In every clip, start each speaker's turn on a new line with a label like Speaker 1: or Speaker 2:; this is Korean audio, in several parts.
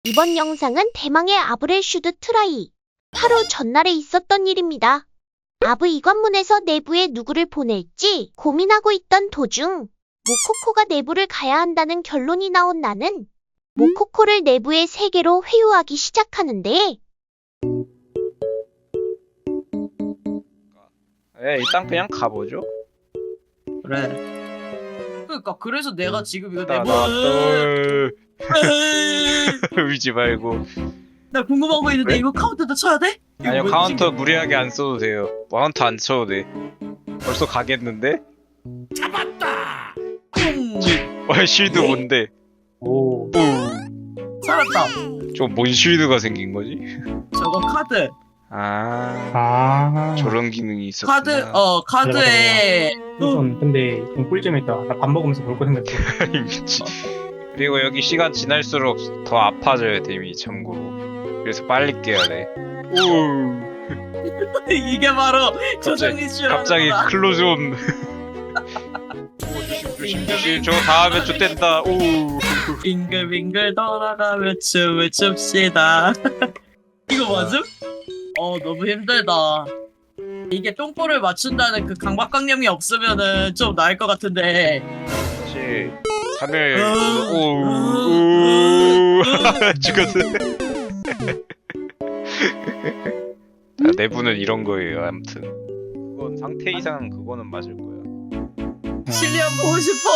Speaker 1: 이번 영상은 대망의 아브렐 슈드 트라이. 하루 전날에 있었던 일입니다. 아브 이관문에서 내부에 누구를 보낼지 고민하고 있던 도중 모코코가 내부를 가야 한다는 결론이 나온 나는 모코코를 내부의 세계로 회유하기 시작하는데
Speaker 2: 일단 그냥 가보죠.
Speaker 3: 그래. 그러니까 그래서 내가 지금 이거
Speaker 2: 나,
Speaker 3: 내부
Speaker 2: 나, 울지 말고.
Speaker 3: 나 궁금한 거 있는데
Speaker 2: 왜?
Speaker 3: 이거 카운트도 쳐야 돼? 이거
Speaker 2: 아니요,
Speaker 3: 뭐지?
Speaker 2: 카운터 무리하게 안 써도 돼요. 카운터 안 쳐도 돼. 벌써 가겠는데?
Speaker 3: 잡았다.
Speaker 2: 쉴드 뭔데?
Speaker 4: 오,
Speaker 3: 살았다.
Speaker 2: 저뭔 쉴드가 생긴 거지?
Speaker 3: 저거 카드.
Speaker 2: 저런 기능이 있었구나.
Speaker 3: 카드에
Speaker 4: 우선 근데 좀 꿀잼했다. 나 밥 먹으면서 볼 거 생각해.
Speaker 2: 미치. 그리고 여기 시간 지날수록 더 아파져요, 데미 참고로. 그래서 빨리 깨야 돼.
Speaker 3: 이게 바로 조정이 싫어.
Speaker 2: 갑자기 클로즈온. 조심, 저 다음에 좆된다.
Speaker 3: 빙글빙글 돌아가며 춤을 춥시다. 이거 맞음? 너무 힘들다. 이게 똥볼을 맞춘다는 그 강박관념이 없으면은 좀 나을 것 같은데.
Speaker 2: 그렇지. 하늘. 죽었어. 내부는 이런 거예요. 아무튼 그건 상태 이상 그거는 맞을 거야.
Speaker 3: 실리안 보고 싶어.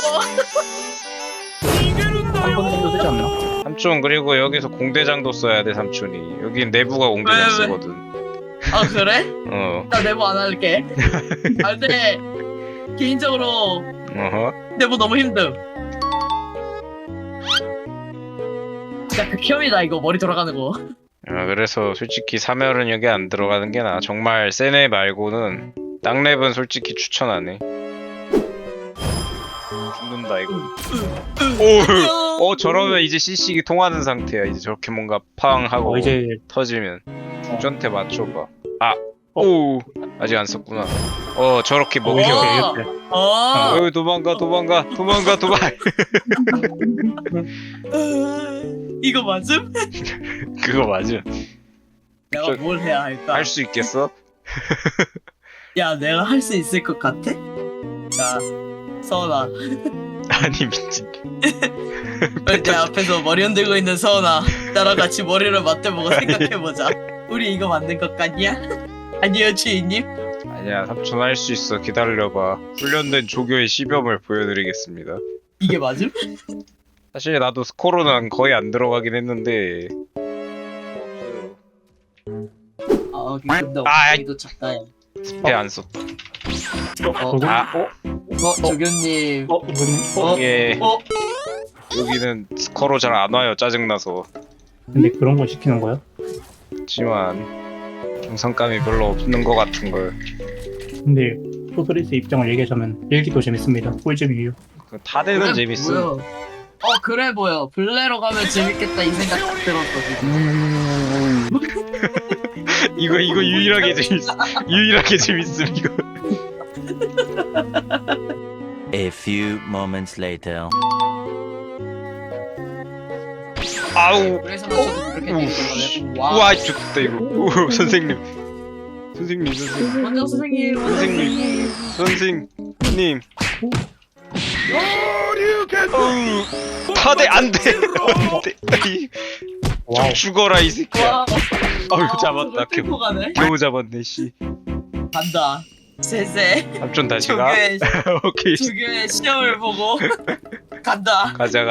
Speaker 4: 한 번 정도 되지 않나?
Speaker 2: 삼촌, 그리고 여기서 공대장도 써야 돼. 삼촌이 여긴 내부가 공대장
Speaker 3: 왜?
Speaker 2: 쓰거든.
Speaker 3: 아 그래?
Speaker 2: 어.
Speaker 3: 나 내부 안 할게. 아 근데 개인적으로
Speaker 2: 어허.
Speaker 3: 내부 너무 힘듦. 진짜 극혐이다 이거 머리 돌아가는 거.
Speaker 2: 그래서 솔직히 3열은 여기 안 들어가는 게 나아. 정말 센애 말고는 땅랩은 솔직히 추천 안 해. 죽는다 이거. 저러면 이제 CC기 통하는 상태야. 이제 저렇게 뭔가 팡 하고
Speaker 4: 이제
Speaker 2: 터지면 중전태 맞춰봐.
Speaker 4: 어.
Speaker 2: 아직 안 썼구나. 저렇게 먹혀.
Speaker 4: 이렇게.
Speaker 2: 도망가.
Speaker 3: 이거 맞음?
Speaker 2: 그거 맞아.
Speaker 3: 내가 뭘 해야 할까?
Speaker 2: 할 수 있겠어?
Speaker 3: 야 내가 할 수 있을 것 같아? 자 서은아
Speaker 2: 아니 미친.
Speaker 3: 내 앞에서 머리 흔들고 있는 서은아 나랑 같이 머리를 맞대보고 생각해보자. 우리 이거 맞는 것 같냐? 아니요 주인님.
Speaker 2: 아니야, 삼촌 할 수 있어. 기다려봐. 훈련된 조교의 시범을 보여드리겠습니다.
Speaker 3: 이게 맞음?
Speaker 2: 사실 나도 스코로는 거의 안 들어가긴 했는데.
Speaker 3: 근데
Speaker 2: 아,
Speaker 3: 이도 작다.
Speaker 2: 스페 안 썼다.
Speaker 3: 조교님.
Speaker 4: 이거는
Speaker 2: 이게 여기는 스코로 잘 안 와요. 짜증나서.
Speaker 4: 근데 그런 걸 시키는 거야?
Speaker 2: 하지만 정상감이 별로 없는 것 같은 걸.
Speaker 4: 근데 소스리스 입장을 얘기하자면 일기도 재밌습니다. 꿀잼이에요.
Speaker 2: 타대는 재밌어.
Speaker 3: 보여. 그래 보여. 블레로 가면 재밌겠다 이 생각 딱 들었거든.
Speaker 2: 이거 유일하게 재밌어. 유일하게 재밌음 이거.
Speaker 5: A few moments later.
Speaker 2: 아우.
Speaker 3: 그래서 저도 그렇게 되는 거네.
Speaker 2: 우와, 죽겠다 이거. 선생님.
Speaker 3: 원장 선생님.
Speaker 2: 선생님. 타대 안 돼. 좀 죽어라 이 새끼야. 잡았다.
Speaker 3: 고 가네.
Speaker 2: 겨우 잡았네 씨.
Speaker 3: 간다. 쎄쎄.
Speaker 2: 삼촌 다시 가. 오케이.
Speaker 3: 조교의 시험을 보고 간다.
Speaker 2: 가자.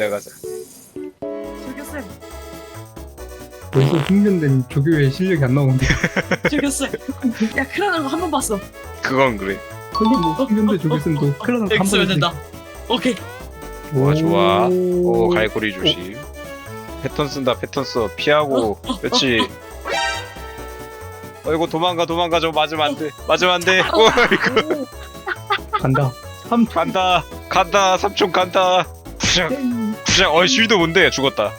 Speaker 3: 조교쌤.
Speaker 4: 벌써 숙련된 조교의 실력이 안 나오는데.
Speaker 3: 조교쌤. 야 크라는 거 한 번 봤어.
Speaker 2: 그건 그래.
Speaker 4: 근데 뭐 숙련된 조교생도 클라는 한
Speaker 3: 엑스면
Speaker 4: 번에
Speaker 3: 된다. 오케이.
Speaker 2: 좋아. 갈고리 조심. 패턴 쓴다. 패턴 써. 피하고. 그렇지. 이거 도망가. 저거 맞으면 안 돼. 이거
Speaker 4: 간다.
Speaker 2: 간다. 삼촌 간다. 부작. 쉴드 뭔데? 죽었다.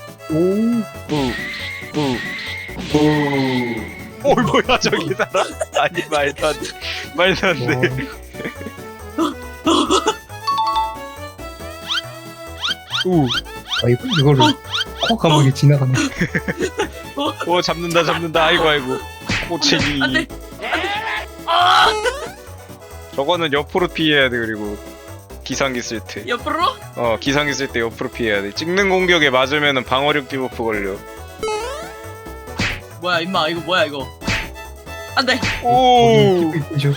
Speaker 2: 뭐야 저기 사람? 아니 말도 안 돼.
Speaker 4: 이거를 코 감옥이 지나가네.
Speaker 2: 오 잡는다 아이고 꼬챙이.
Speaker 3: 안돼. 아
Speaker 2: 저거는 옆으로 피해야 돼. 그리고 기상기 쓸 때.
Speaker 3: 옆으로?
Speaker 2: 기상기 쓸 때 옆으로 피해야 돼. 찍는 공격에 맞으면은 방어력 디버프 걸려.
Speaker 3: 뭐야 임마 이거 뭐야 이거? 안돼.
Speaker 2: 오.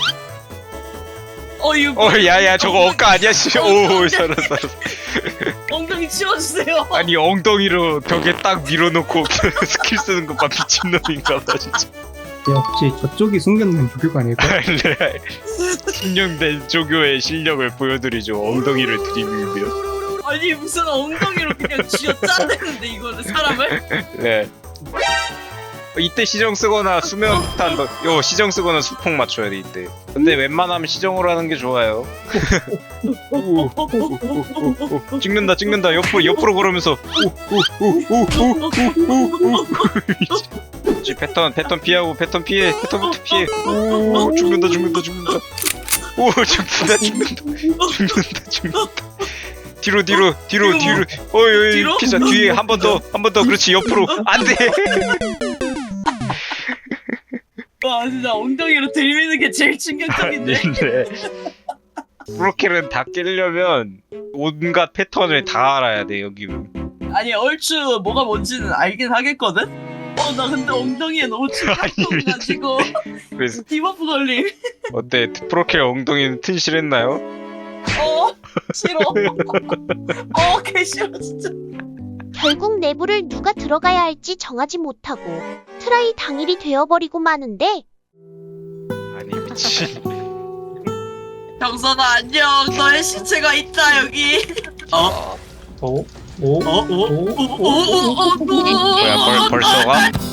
Speaker 3: 이거
Speaker 2: 야야 저거 억까 아니야 씨. 오 살았어.
Speaker 3: 엉덩이 치워주세요.
Speaker 2: 아니 엉덩이로 벽에 딱 밀어놓고 스킬 쓰는 것봐 미친놈인가봐 진짜.
Speaker 4: 역시 저쪽이 숨겨놓은 조교가 아닐까?
Speaker 2: 네. 숙련된 조교의 실력을 보여드리죠. 엉덩이를 들이밀며.
Speaker 3: 아니 무슨 엉덩이로 그냥 쥐어짜내는데 이거는 사람을?
Speaker 2: 네. 이때 시정 쓰거나 수면 탄 요 시정 쓰거나 수폭 맞춰야 돼 이때. 근데 웬만하면 시정으로 하는 게 좋아요. 찍는다 옆으로 그러면서 패턴 피하고 패턴 피해 오 죽는다 오 죽는다 뒤로 어이 피자 뒤에 한 번 더 그렇지 옆으로 안돼.
Speaker 3: 와 진짜 엉덩이로 들이미는 게 제일 충격적인데.
Speaker 2: 프로킬은 다 깨려면 온갖 패턴을 다 알아야 돼 여기는.
Speaker 3: 아니 얼추 뭐가 뭔지는 알긴 하겠거든? 나 근데 엉덩이에 너무 충격적이가지고
Speaker 2: 그래서
Speaker 3: 디버프 걸림.
Speaker 2: 어때 프로킬 엉덩이는 튼실했나요?
Speaker 3: 싫어. 개 싫어 진짜.
Speaker 1: 결국 내부를 누가 들어가야 할지 정하지 못하고 트라이 당일이 되어버리고 마는데
Speaker 2: 아니 미친.
Speaker 3: 경선아 안녕. 너의 시체가 있다 여기.
Speaker 2: 뭐야 벌써 가?